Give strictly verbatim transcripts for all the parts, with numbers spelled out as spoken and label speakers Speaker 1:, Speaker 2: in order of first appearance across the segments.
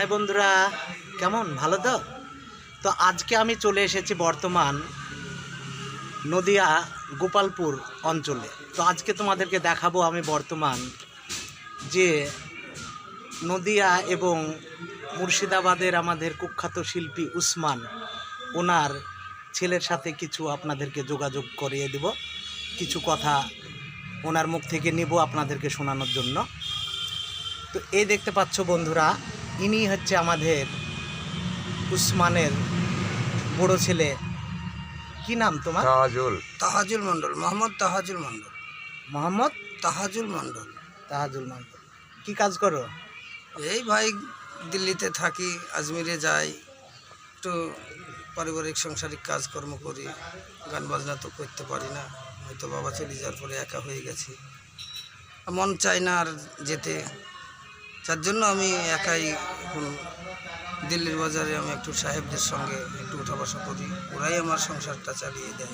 Speaker 1: High বন্ধুরা, কেমন ভালো তো? তো আজকে আমি চলে এসেছি বর্তমান নদিয়া গোপালপুর অঞ্চলে। তো আজকে তোমাদেরকে দেখাবো আমি বর্তমান যে নদিয়া এবং মুর্শিদাবাদের আমাদের কুখ্যাত শিল্পী উসমান, ওনার ছেলের সাথে কিছু আপনাদেরকে যোগাযোগ করিয়ে দেব, কিছু কথা ওনার মুখ থেকে নেব আপনাদেরকে শোনানোর জন্য। তো এই দেখতে পাচ্ছ বন্ধুরা, ইনি হচ্ছে আমাদের উসমানের বড় ছেলে। কি নাম তোমার?
Speaker 2: তাহাজুল
Speaker 3: তাহাজুল মণ্ডল, মোহাম্মদ তাহাজুল মণ্ডল।
Speaker 1: মোহাম্মদ
Speaker 3: তাহাজুল মণ্ডল।
Speaker 1: তাহাজুল মণ্ডল। কি কাজ করো?
Speaker 3: এই ভাই দিল্লিতে থাকি, আজমিরে যাই, একটু পারিবারিক সাংসারিক কাজকর্ম করি। গান বাজনা তো করতে পারি না, হয়তো বাবা চলে যাওয়ার পরে একা হয়ে গেছি, মন চায় না আর যেতে। যার জন্য আমি একাই এখন দিল্লির বাজারে আমি একটু সাহেবদের সঙ্গে একটু উঠা বসা করি, ওরাই আমার সংসারটা চালিয়ে দেয়।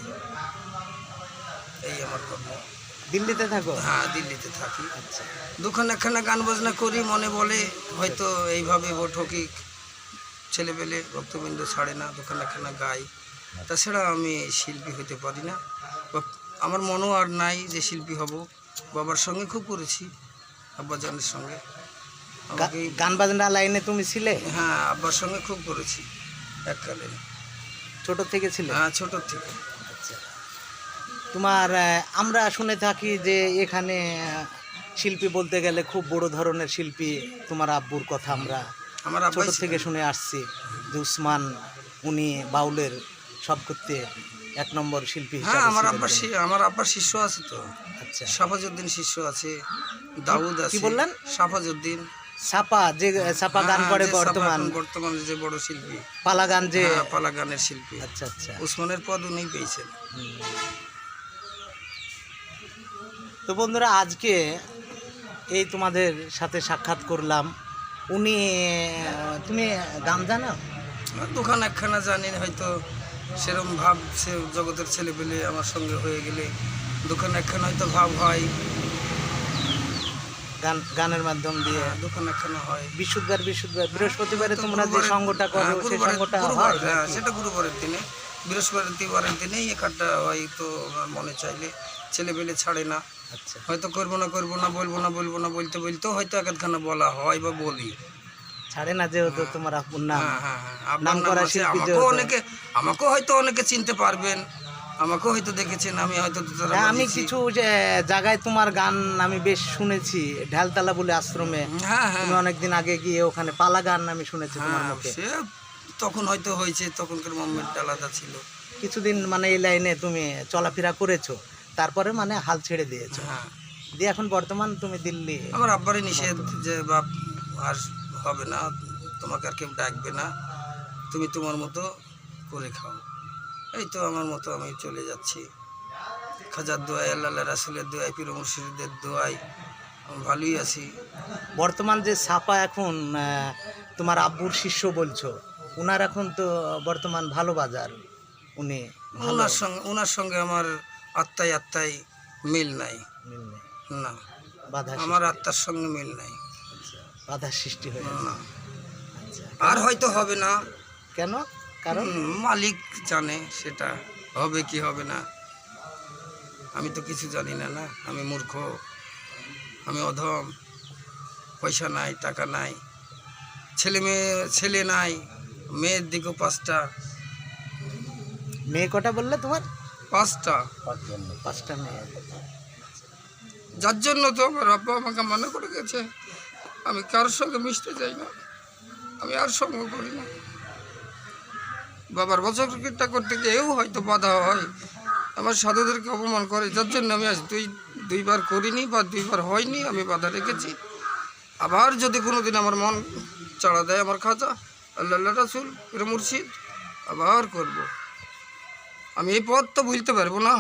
Speaker 3: এই আমার কর্ম।
Speaker 1: দিল্লিতে থাকো?
Speaker 3: হ্যাঁ, দিল্লিতে থাকি।
Speaker 1: আচ্ছা।
Speaker 3: দুখানা একখানা গান বাজনা করি, মনে বলে হয়তো এইভাবে বৈঠকি ছেলেপেলে ভক্তবৃন্দ ছাড়ে না, দুখানা একখানা গাই। তাছাড়া আমি শিল্পী হতে পারি না, বা আমার মনও আর নাই যে শিল্পী হব। বাবার সঙ্গে খুব করেছি, আব্বাজানের সঙ্গে। আমাকে
Speaker 1: গান বাজনা লাইনে তুমি ছিলে?
Speaker 3: হ্যাঁ, আব্বার সঙ্গে খুব করেছি এককালে।
Speaker 1: ছোট থেকে ছিলে?
Speaker 3: হ্যাঁ, ছোটোর থেকে।
Speaker 1: আচ্ছা। তোমার আহ, আমরা শুনে থাকি যে এখানে আহ, শিল্পী বলতে গেলে খুব বড় ধরনের শিল্পী তোমার আব্বুর কথা আমরা
Speaker 3: আমার
Speaker 1: ছোট
Speaker 3: আব্বাই
Speaker 1: থেকে
Speaker 3: ছিলেন।
Speaker 1: শুনে আসছি যে উসমান উনি বাউলের সব করতে এক নম্বর শিল্পী
Speaker 3: হ্যাঁ,
Speaker 1: হিসাবে
Speaker 3: আমার
Speaker 1: ছিলেন
Speaker 3: আব্বার
Speaker 1: তিনি।
Speaker 3: শি- আমার আব্বার শিষ্য আছে তো।
Speaker 1: আচ্ছা।
Speaker 3: সাফাজউদ্দিন শিষ্য আছে, দাউদ আছে।
Speaker 1: কি বললেন?
Speaker 3: সাফাজউদ্দিন।
Speaker 1: ছাপা, যে ছাপা গান
Speaker 3: হ্যাঁ,
Speaker 1: করে
Speaker 3: যে ছাপা
Speaker 1: বর্তমান
Speaker 3: এখন বর্তমানে যে বড় শিল্পী,
Speaker 1: পালা গান যে।
Speaker 3: হ্যাঁ, পালা গানের শিল্পী।
Speaker 1: আচ্ছা আচ্ছা।
Speaker 3: উসমানের পদ উনি পেয়েছেন।
Speaker 1: হুম। তো বন্ধুরা, আজকে এই তোমাদের সাথে সাক্ষাৎ করলাম। উনি আহ, তুমি গান জানো?
Speaker 3: আর দোকান একখানা জানি, হয়তো সেরম ভাব সে জগতের ছেলে পেলে আমার সঙ্গে হয়ে গেলে দোকান একখানা হয়তো ভাব হয়,
Speaker 1: গান গানের মাধ্যম দিয়ে
Speaker 3: হ্যাঁ, দোকান একখানা হয়।
Speaker 1: বিশুদ্ধবার বিশুদ্ধবার বৃহস্পতিবারে
Speaker 3: হয়তো
Speaker 1: তোমরা যে
Speaker 3: গুরুবারে-
Speaker 1: সঙ্গটা করো
Speaker 3: হ্যাঁ,
Speaker 1: সেই
Speaker 3: গুরুবারে-
Speaker 1: সঙ্গটা
Speaker 3: গুরুবার,
Speaker 1: হয়
Speaker 3: হ্যাঁ,
Speaker 1: নাকি?
Speaker 3: সেটা গুরুবারের দিনে, বৃহস্পতিবারের দিনেই এ কার্ডটা হয়। তো আমার মনে চাইলে ছেলে পেলে ছাড়ে না,
Speaker 1: আচ্ছা।
Speaker 3: হয়তো করবো না করবো না বলবো না বলবো না বলতে বলতেও হয়তো এক আধখানা বলা হয় বা বলি।
Speaker 1: ছাড়ে না, যেহেতু তোমার আপুর নাম,
Speaker 3: হ্যাঁ হ্যাঁ হ্যাঁ, আপনার
Speaker 1: নাম
Speaker 3: নাম
Speaker 1: করা
Speaker 3: আছে।
Speaker 1: শিল্পী
Speaker 3: আমাকেও
Speaker 1: যেহেতু।
Speaker 3: অনেকে আমাকেও হয়তো অনেকে চিনতে পারবেন, আমাকেও হয়তো দেখেছেন, আমি হয়তো দোতারা
Speaker 1: হ্যাঁ, আমি
Speaker 3: বাজিয়েছি।
Speaker 1: কিছু যে জায়গায় তোমার গান আমি বেশ শুনেছি। ঢালতলা বলে আশ্রমে
Speaker 3: হ্যাঁ হ্যাঁ
Speaker 1: তুমি অনেকদিন আগে গিয়ে ওখানে পালা গান আমি শুনেছি তোমার
Speaker 3: হ্যাঁ,
Speaker 1: মুখে।
Speaker 3: সে তখন হয়তো হয়েছে, তখনকার মোমেন্ট আলাদা ছিল।
Speaker 1: কিছুদিন মানে এই লাইনে তুমি চলাফেরা করেছো, তারপরে মানে হাল ছেড়ে দিয়েছো,
Speaker 3: হ্যাঁ,
Speaker 1: দিয়ে এখন বর্তমান তুমি দিল্লি।
Speaker 3: আমার আব্বারই নিষেধ যে বাপ আর হবে না, তোমাকে আর কেউ ডাকবে না, তুমি তোমার মতো করে খাও। এই তো আমার মতো আমি চলে যাচ্ছি, খাজার দোয়াই, আল্লাহ রাসুলের দোয়াই, পীর মুর্শিদের দোয়াই, আমি ভালোই আছি।
Speaker 1: বর্তমান যে ছাপা এখন আহ, তোমার আব্বুর শিষ্য বলছো, উনার এখন তো বর্তমান ভালো বাজার, উনি ভালো
Speaker 3: ওনার সঙ্গে ওনার সঙ্গে আমার আত্মায় আত্মায় মিল নাই,
Speaker 1: মিল নেই,
Speaker 3: না,
Speaker 1: বাধা
Speaker 3: আমার
Speaker 1: সৃষ্টি-
Speaker 3: আত্মার সঙ্গে মিল নাই,
Speaker 1: আচ্ছা, বাধার সৃষ্টি হয়েছে।
Speaker 3: না।
Speaker 1: আচ্ছা,
Speaker 3: আর হয়তো হবে না,
Speaker 1: কেন? কারণ
Speaker 3: হুম, মালিক জানে সেটা হবে কি হবে না। আমি তো কিছু জানি না, না, আমি মূর্খ, আমি অধম, পয়সা নাই, টাকা নাই, ছেলে মেয়ে ছেলে নাই, মেয়ের দিকেও পাঁচটা
Speaker 1: মেয়ে কটা বললে তোমার?
Speaker 3: পাঁচটা
Speaker 1: পাঁচটা মেয়ে।
Speaker 3: যার জন্য তো আমার আব্বা আমাকে মনে করে গেছে আমি কারোর সঙ্গে মিশতে চাই না, আমি আর সঙ্গ করি না। বাবার বছরটা করতে গিয়েও হয়তো বাধা হয়, আমার সাধুদেরকে অপমান করে, যার জন্য আমি আজ দুই দুইবার করিনি বা দুইবার হয়নি, আমি বাধা রেখেছি। আবার যদি কোনো দিন আমার মন চাড়া দেয় আমার খাজা, আল্লাহ রাসুল, পীর মুর্শিদ, আবার করব। আমি এই পথ তো ভুলতে পারবো না,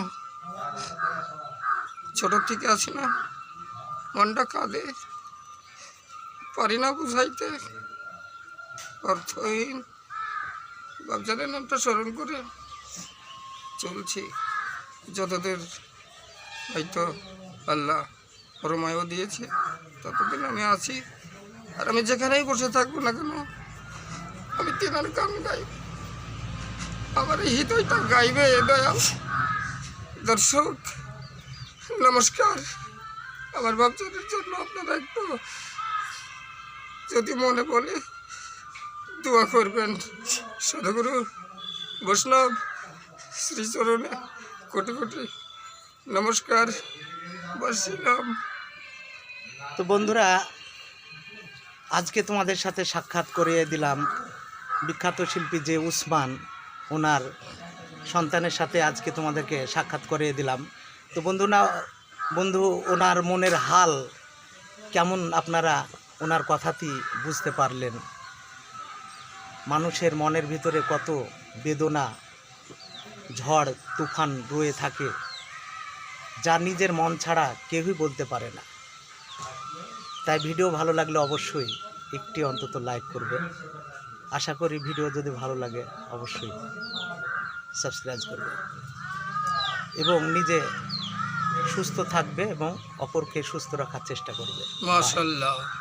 Speaker 3: ছোটোর থেকে আসি না, মনটা কাঁদে, পারি না বুঝাইতে, অর্থহীন বাপজানের নামটা স্মরণ করে চলছি যতদূর হয়তো আল্লাহ রমায়ও দিয়েছে, ততদিন আমি আছি। আর আমি যেখানেই বসে থাকবো না কেন আমি তিনার গান গাইব, আমার এই হৃদয়টা গাইবে দয়াল। দর্শক নমস্কার, আমার বাচ্চাদের জন্য আপনারা একটু যদি মনে বলে দোয়া করবেন। সদগুরু বৈষ্ণব শ্রীচরণে কোটি কোটি নমস্কার। বসছিলাম।
Speaker 1: তো বন্ধুরা, আজকে তোমাদের সাথে সাক্ষাৎ করিয়ে দিলাম বিখ্যাত শিল্পী যে উসমান, ওনার সন্তানের সাথে আজকে তোমাদেরকে সাক্ষাৎ করিয়ে দিলাম। তো বন্ধুরা বন্ধু ওনার মনের হাল কেমন আপনারা ওনার কথাতেই বুঝতে পারলেন। মানুষের মনের ভিতরে কত বেদনা, ঝড় তুফান রয়ে থাকে, যা নিজের মন ছাড়া কেউই বলতে পারে না। তাই ভিডিও ভালো লাগলে অবশ্যই একটি অন্তত লাইক করবে। আশা করি ভিডিও যদি ভালো লাগে অবশ্যই সাবস্ক্রাইব করবে এবং নিজে সুস্থ থাকবে এবং অপরকে সুস্থ রাখার চেষ্টা করবে।
Speaker 3: মাশাআল্লাহ।